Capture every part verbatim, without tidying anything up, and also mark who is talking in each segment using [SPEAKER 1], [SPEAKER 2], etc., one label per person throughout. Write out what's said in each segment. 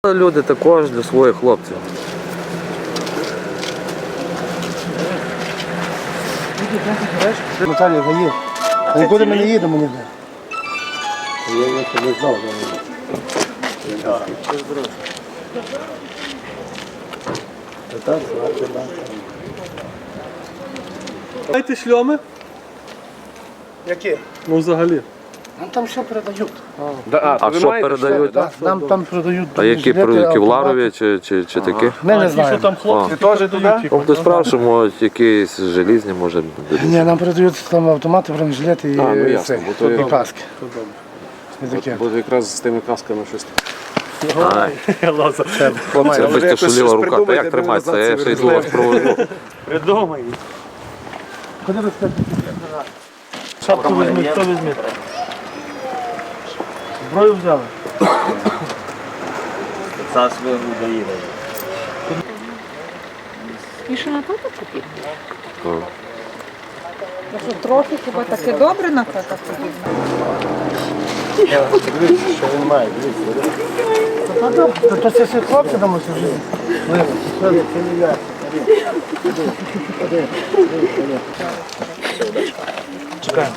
[SPEAKER 1] Люди також для своїх хлопців.
[SPEAKER 2] Наталія гаї. Нікуди ми не їдемо ніде. Я не знав.
[SPEAKER 3] Знаєте шльоми?
[SPEAKER 2] Які?
[SPEAKER 3] Ну взагалі.
[SPEAKER 2] Нам там все передають.
[SPEAKER 1] А що передають?
[SPEAKER 2] Так, нам там передають.
[SPEAKER 1] А які
[SPEAKER 2] жилети,
[SPEAKER 1] передають?
[SPEAKER 2] автомати.
[SPEAKER 1] Кевларові чи, чи, чи такі?
[SPEAKER 2] Ми не
[SPEAKER 3] Ті, що
[SPEAKER 2] знаємо.
[SPEAKER 3] там хлопці
[SPEAKER 1] А.
[SPEAKER 3] теж дають.
[SPEAKER 1] Ну, хтось справ, що можуть якісь желізні, може.
[SPEAKER 2] Ні, нам передають там автомати, бронежилети і,
[SPEAKER 4] А, ну, ясно,
[SPEAKER 2] цей,
[SPEAKER 4] бо то
[SPEAKER 2] і
[SPEAKER 4] є-
[SPEAKER 2] каски. Не таке.
[SPEAKER 4] Бо якраз з тими касками щось.
[SPEAKER 1] Це без
[SPEAKER 4] якось
[SPEAKER 1] тяжеліва
[SPEAKER 4] щось
[SPEAKER 1] рука. Та
[SPEAKER 4] придумайте,
[SPEAKER 1] як
[SPEAKER 4] де
[SPEAKER 1] тримається?
[SPEAKER 4] ви
[SPEAKER 1] Я
[SPEAKER 4] назад
[SPEAKER 1] ще
[SPEAKER 4] це
[SPEAKER 1] йду вас проведу.
[SPEAKER 3] Придумай.
[SPEAKER 2] Куди ви скажете?
[SPEAKER 3] Шапку візьми, хто візьме? Зброю взяли.
[SPEAKER 5] І що на тата потрібно? Що трохи хіба таке добре на тата потрібно?
[SPEAKER 2] Дивіться, що він має, дивіться. То, то це всі хлопці там усе жили. Це не я.
[SPEAKER 3] Чекаємо.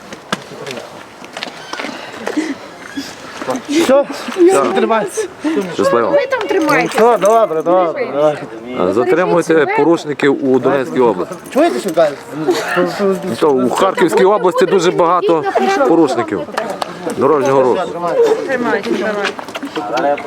[SPEAKER 2] Все, тримайся.
[SPEAKER 1] Щасливо.
[SPEAKER 5] Ви там тримайте.
[SPEAKER 2] Все, добре, добре, добре.
[SPEAKER 1] Затримуйте порушників у Донецькій області.
[SPEAKER 2] Чуєте, що кажуть?
[SPEAKER 1] То у Харківській області дуже багато порушників дорожнього руху.
[SPEAKER 5] Тримайте, тримайте.